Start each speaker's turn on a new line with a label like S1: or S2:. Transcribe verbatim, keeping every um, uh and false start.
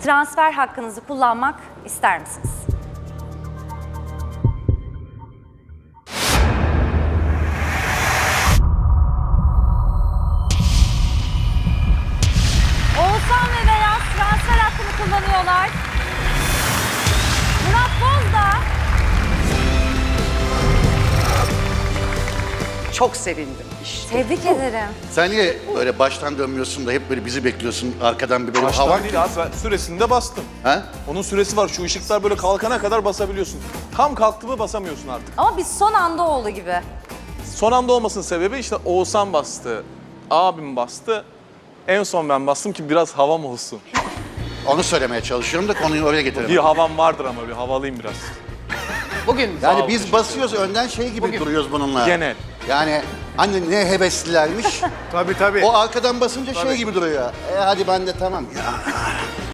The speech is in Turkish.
S1: transfer hakkınızı kullanmak ister misiniz? Oğuzhan ve Beyaz transfer hakkını kullanıyorlar. Murat Boz da
S2: Çok sevindim işte.
S1: tebrik ederim.
S3: Sen niye böyle baştan dönmüyorsun da hep böyle bizi bekliyorsun arkadan bir böyle
S4: Baştan
S3: hava?
S4: değil abi, ben süresinde bastım.
S3: Ha?
S4: Onun süresi var, şu ışıklar böyle kalkana kadar basabiliyorsun. Tam kalktı mı basamıyorsun artık.
S1: Ama biz son anda oldu gibi.
S4: Son anda olmasının sebebi işte Oğuzhan bastı, abim bastı. En son ben bastım ki biraz havam olsun.
S3: Onu söylemeye çalışıyorum da konuyu oraya
S4: Bir
S3: getirelim.
S4: havam vardır ama bir havalıyım biraz.
S2: Bugün
S3: Yani
S4: ol,
S3: biz
S4: teşekkür
S3: basıyoruz önden şey gibi
S2: Bugün-
S3: duruyoruz bununla.
S4: Genel.
S3: Yani hani ne heveslilermiş.
S5: Tabii tabii.
S3: O arkadan basınca şey gibi duruyor. E hadi ben de tamam. Ya